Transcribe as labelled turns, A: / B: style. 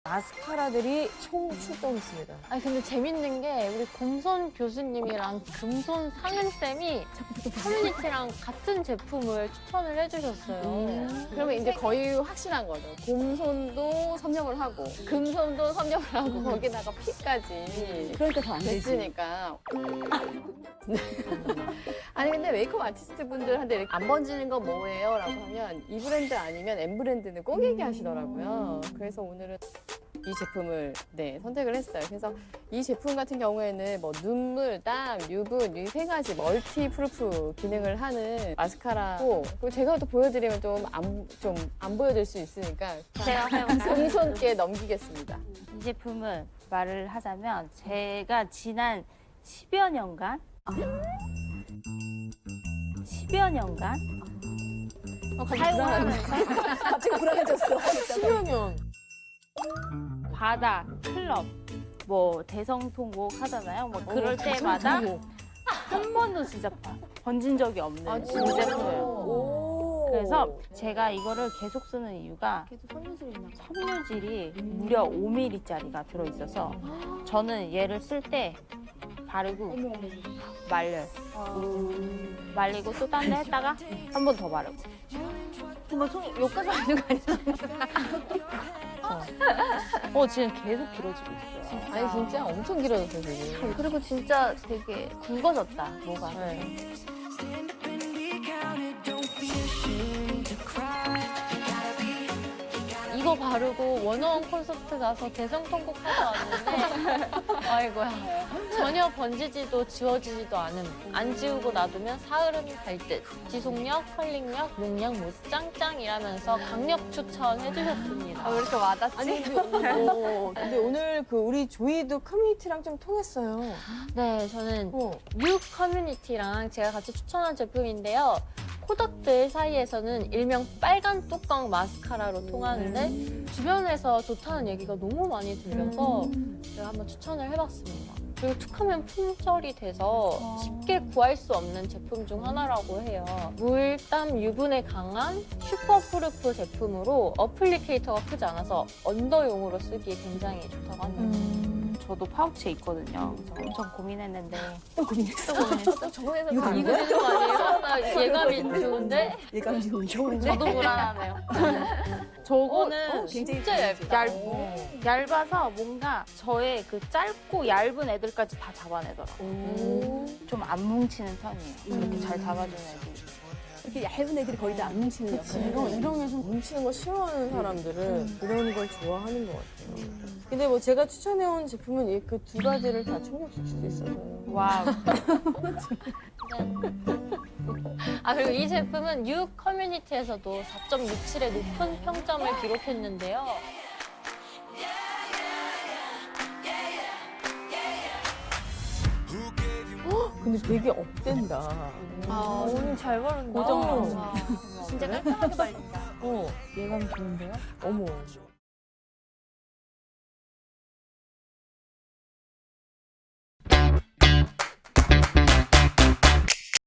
A: 마스카라들이 총 출동했습니다.
B: 아니 근데 재밌는 게 우리 곰손 교수님이랑 금손 상은쌤이 커뮤니티랑 같은 제품을 추천을 해주셨어요.
C: 그러면 이제 거의 확신한 거죠. 곰손도 섭렵을 하고 금손도 섭렵을 하고 거기다가 피까지
D: 그러니까 더 안 되지.
C: 됐으니까. 아니 근데 메이크업 아티스트 분들한테 이렇게 안 번지는 거 뭐예요? 라고 하면 이 브랜드 아니면 M 브랜드는 꼭 얘기하시더라고요. 그래서 오늘은 이 제품을 선택을 했어요. 그래서 이 제품 같은 경우에는 뭐 눈물, 땀, 유분 이 세 가지 멀티 프루프 기능을 하는 마스카라고 그리고 제가 또 보여드리면 좀 안 보여줄 수 있으니까
E: 제가 해볼까요?
C: 금손께 넘기겠습니다.
E: 이 제품을 말을 하자면 제가 지난 10여 년간 10여 년간 사용하면서
D: 갑자기 불안해졌어.
A: 10여 년.
E: 바다, 클럽, 뭐 대성통곡 하잖아요. 뭐 그럴 때마다 한 번도 진짜 번진 적이 없는 이 제품이에요. 그래서 제가 이거를 계속 쓰는 이유가 섬유질이 무려 5mm짜리가 들어있어서 저는 얘를 쓸 때 바르고 말려요. 말리고 또 딴 데 했다가 한 번 더 바르고. 여기까지 하는 거 아니야? 지금 계속 길어지고 있어요.
C: 아니 진짜 엄청 길어졌어요 지금.
E: 그리고 진짜 되게 굵어졌다, 뭐가.
B: 이거 바르고 원어원 콘서트 가서 대성통곡 하고 왔는데 아이고야 전혀 번지지도 지워지지도 않음. 안 지우고 놔두면 사흘은 갈 듯. 지속력, 컬링력, 용량 못 짱짱이라면서 강력 추천해 주셨습니다.
E: 왜 이렇게 와닿지?
A: 아니, 근데 오늘 우리 조이도 커뮤니티랑 좀 통했어요.
B: 네, 저는 뉴 커뮤니티랑 제가 같이 추천한 제품인데요. 코덕들 사이에서는 일명 빨간 뚜껑 마스카라로 통하는데 주변에서 좋다는 얘기가 너무 많이 들려서 제가 한번 추천을 해봤습니다. 그리고 툭하면 품절이 돼서 쉽게 구할 수 없는 제품 중 하나라고 해요. 물, 땀, 유분에 강한 슈퍼프루프 제품으로 어플리케이터가 크지 않아서 언더용으로 쓰기에 굉장히 좋다고 합니다.
E: 저도 파우치에 있거든요. 그래서 엄청 고민했는데
D: 또 고민했어.
C: 정원에서
D: 이거
C: 다
D: 된
B: 이거 되는 거 아니에요? 나 예감이 좋은데?
D: 예감이 좋은데.
E: 저도 불안하네요.
B: 저거는
D: 굉장히
B: 진짜 얇다.
E: 얇아서 뭔가 저의 그 짧고 얇은 애들까지 다 잡아내더라고요. 좀 안 뭉치는 편이에요. 이렇게 잘 잡아주는 애들이.
D: 이렇게 얇은 애들이 거의 다 안 뭉치는 역할.
A: 이런 게 좀 뭉치는 거 싫어하는 사람들은 이런 걸 좋아하는 것 같아요. 근데 뭐 제가 추천해온 제품은 그 두 가지를 다 충족시킬 수 있어서.
E: 와우.
B: 아, 그리고 이 제품은 뉴 커뮤니티에서도 4.67의 높은 평점을 기록했는데요.
A: 근데 되게 업된다.
B: 오늘 잘 바른다.
A: 고정.
B: 진짜 깔끔하게 발린다.
A: 예감이 좋은데요? 어머.